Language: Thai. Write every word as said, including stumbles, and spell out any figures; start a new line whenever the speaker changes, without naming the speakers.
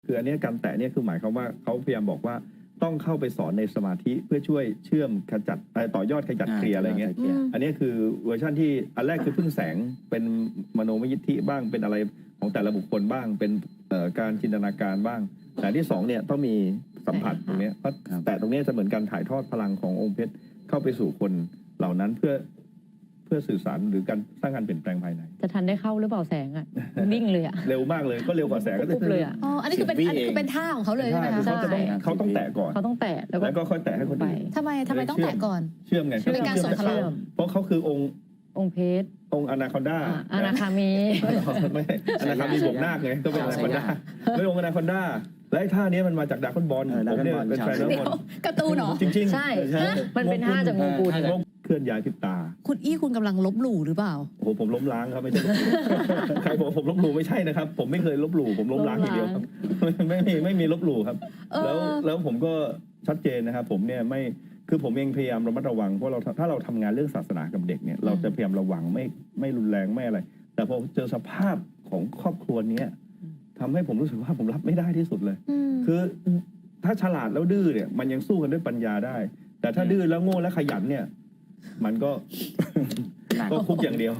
คืออันนี้การแตะเนี่ยคือหมายความว่าเขาพยายามบอกว่าต้องเข้าไปสอนในสมาธิเพื่อช่วยเชื่อมขจัดต่อยอดขจัดเคลียร์อะไรเงี้ยอันนี้คือเวอร์ชันที่อันแรกคือพึ่งแสงเป็นมโนมยิทธิบ้างเป็นอะไรของแต่ละบุคคลบ้างเป็นการจินตนาการบ้างแต่ที่สองเนี่ยต้องมีสัมผัสตรงนี้เพราะแต่ตรงนี้จะเหมือนการถ่ายทอดพลังขององค์เพชรเข้าไปสู่คนเหล่านั้นเพื่อเพื่อสื่อสารหรือการสร้างการเปลี่ยนแปลงภายใน
จะทันได้เข้าหรือเปล่าแสงอ่ะวิ่งเลยอ่ะ
เร็วมากเลยก็เร็วกว่าแสงก็
ปุ๊บเลยอ่ะ
อ๋ออันนี้คือเป็นอันนี้คือเป็นท่าของเขาเลยใช่ไหมคะ
เขาจะต้องเขาต้องแตะก่อน
เขาต้องแตะ
แล้วก็ค่อยแตะให้คนอื่น
ทำไมทำไมต้องแตะก่อน
เชื่อมไง
เป็นการส่งพลัง
เพราะเขาคือองค์
องค์เพชร
องค์อนาคอนดา
อนาคามี
ไม่อนาคามีบวกนาคไงก็เป็นอนาคอนดาไม่องค์อนาคอนดาและไอ้ท่านี้มันมาจากดาร์คอนบอลผมเนี่ยเป็นแฟนดาร์คอนบอล
การ์ตูนเหรอ
จริงๆ
ใช่มันเป็นท่าจากโมกุล
เคลื่อนย้ายพิบตา
คุณอี้คุณกำลังลบหลู่หรือเปล่า
โอ้โหผมล้มล้างครับไม่ใช่ใครบอกผมลบหลู่ไม่ใช่นะครับผมไม่เคยลบหลู่ผมล้มล้างอย่างเดียวครับไม่มีไม่มีลบหลู่ครับแล้วแล้วผมก็ชัดเจนนะครับผมเนี่ยไม่คือผมเองพยายามระมัดระวังเพราะเราถ้าเราทำงานเรื่องศาสนากับเด็กเนี่ยเราจะพยายามระวังไม่ไม่รุนแรงไม่อะไรแต่พอเจอสภาพของครอบครัวนี้ทำให้ผมรู้สึกว่าผมรับไม่ได้ที่สุดเลยคือถ้าฉลาดแล้วดื้อเนี่ยมันยังสู้กันด้วยปัญญาได้แต่ถ้าดื้อแล้วโง่และขยันเนี่ยมันก็ก็คุกอย่างเดียว